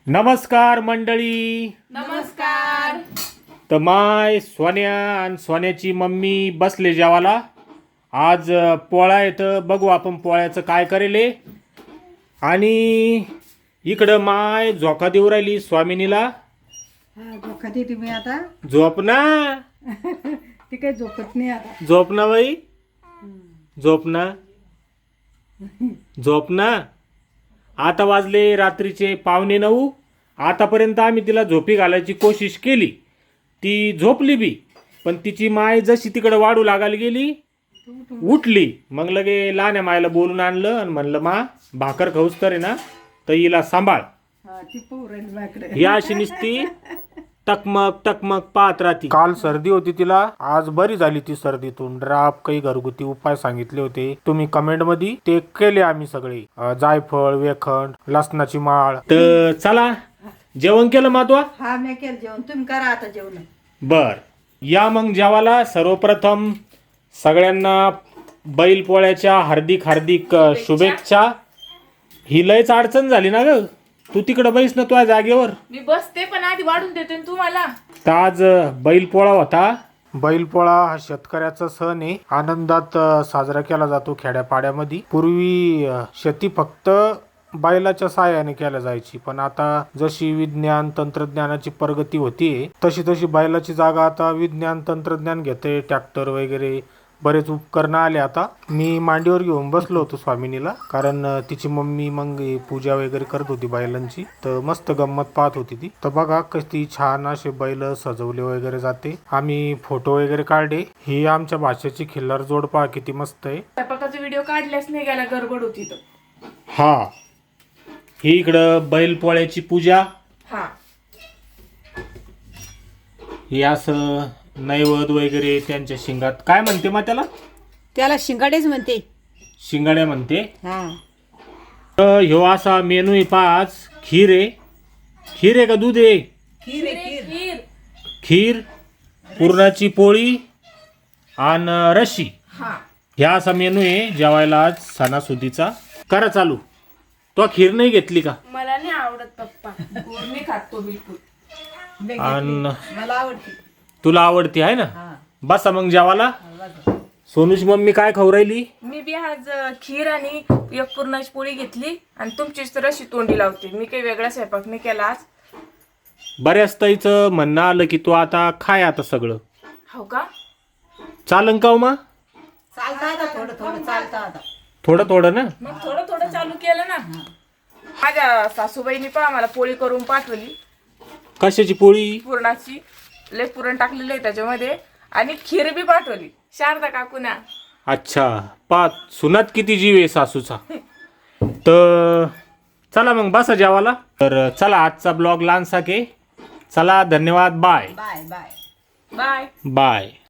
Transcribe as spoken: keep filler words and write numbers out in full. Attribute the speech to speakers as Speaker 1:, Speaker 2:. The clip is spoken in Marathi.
Speaker 1: नमस्कार मंडळी.
Speaker 2: नमस्कार.
Speaker 1: तर माय सोन्या आणि सोन्याची मम्मी बसले जेवायला. आज पोळा येतं, बघू आपण पोळ्याचं काय करेले. आणि इकडं माय झोका देऊ राहिली स्वामिनीला.
Speaker 2: हा झोका देते मी आता.
Speaker 1: झोप ना.
Speaker 2: ती काही झोपत नाही आता.
Speaker 1: झोप ना बाई, झोप ना, झोप ना. आता वाजले रात्रीचे पावणे नऊ. आतापर्यंत आम्ही तिला झोपी घालायची कोशिश केली, ती झोपली बी. पण तिची माय जशी तिकडे वाढू लागायला गेली, उठली. मग लगे लहान्या मायला बोलून आणलं आणि म्हणलं मा भाकर खाऊस तर आहे ना, तर हिला सांभाळ.
Speaker 2: हा ती पाहू राहिली माझ्याकडे.
Speaker 1: ही अशी नुसती टकमक टकमक पाहत राहती. काल सर्दी होती तिला, आज बरी झाली ती सर्दीतून. ड्राप काही घरगुती उपाय सांगितले होते तुम्ही कमेंट मध्ये, ते केले आम्ही सगळे. अं, जायफळ, वेखंड, लसणाची माळ. तर चला जेवण केलं मातवा.
Speaker 2: हा मी केलं जेवण, तुम्ही करा आता जेवण.
Speaker 1: बर या मग जेवायला. सर्वप्रथम सगळ्यांना बैल पोळ्याच्या हार्दिक हार्दिक अ, शुभेच्छा. ही लयच अडचण झाली ना ग. तू तिकडं बैस ना तुझ्या जागेवर.
Speaker 3: मी बसते पण आधी वाढून देते ना तू मला.
Speaker 1: तर आज बैलपोळा होता. बैलपोळा हा शेतकऱ्याचा सण आहे, आनंदात अ, साजरा केला जातो खेड्यापाड्यामध्ये. पूर्वी अ, शेती फक्त बैलाच्या साहाय्याने केल्या जायची, पण आता जशी विज्ञान तंत्रज्ञानाची प्रगती होतीये तशी तशी बैलाची जागा आता विज्ञान तंत्रज्ञान घेते. ट्रॅक्टर वगैरे बरेच उपकरणं आले आता. मी मांडीवर घेऊन बसलो होतो स्वामिनीला, कारण अ, तिची मम्मी मग पूजा वगैरे करत होती बैलांची. तर मस्त गंमत पाहत होती ती. तर बघा कशी छान असे बैल सजवले वगैरे जाते. आम्ही फोटो वगैरे काढले. ही आमच्या भाषेची खिल्लार जोड पहा किती मस्त आहे.
Speaker 3: स्वयंपाकाचा व्हिडिओ काढल्याच नाही गेला, गडबड होती तर.
Speaker 1: हा ही इकडं बैल पोळ्याची पूजा.
Speaker 3: हा
Speaker 1: हे असं नैवेद्य वगैरे त्यांच्या शिंगात. काय म्हणते मग त्याला?
Speaker 2: त्याला शिंगाडेच म्हणते.
Speaker 1: शिंगाड्या म्हणते.
Speaker 2: हा
Speaker 1: तर ह्यो असा मेनू आहे. पाच खीर आहे. खीर आहे का दूध आहे?
Speaker 2: खीर आहे, खीर.
Speaker 3: खीर.
Speaker 1: खीर, पुरणाची पोळी आणि रशी.
Speaker 3: हा
Speaker 1: ह्या असा मेनू आहे जेवायला आज सणासुदीचा. करा चालू. तो खीर नाही घेतली का?
Speaker 3: मला नाही आवडत पप्पा, गोड मी खातो बिलकुल.
Speaker 2: मी घेतली.
Speaker 1: आणि
Speaker 2: मला आवडते.
Speaker 1: तुला आवडती आहे ना?
Speaker 2: हा
Speaker 1: बसा मग जेवायला. सोनूची मम्मी काय खाऊ राहिली?
Speaker 3: मी बी आज अ, खीर आणि एक पुरणाची पोळी घेतली आणि तुमचीच तर अशी तोंडी लावते. मी काही वेगळा स्वयंपाक नाही केला आज.
Speaker 1: बऱ्याच ताईचं म्हणणं आलं की तू आता खाय आता सगळं.
Speaker 3: हो का?
Speaker 1: चालन का हो मा?
Speaker 2: चालतं आता थोडं थोडं चालतं आता.
Speaker 1: थोडं थोडं ना.
Speaker 3: मग थोडं थोडं चालू केलं ना. माझ्या सासूबाईनी पहा मला पोळी करून पाठवली,
Speaker 1: कशाची पोळी?
Speaker 3: पुरणाची. लय पुरण टाकलेलं आहे त्याच्यामध्ये, आणि खीर बी पाठवली शारदा काकूना.
Speaker 1: अच्छा, पाच सुनात किती जीव आहे सासूचा. तर चला मग बसा जेवायला. तर चला आजचा ब्लॉग लहानसा के. चला धन्यवाद. Bye
Speaker 2: bye bye.
Speaker 3: Bye.
Speaker 1: Bye.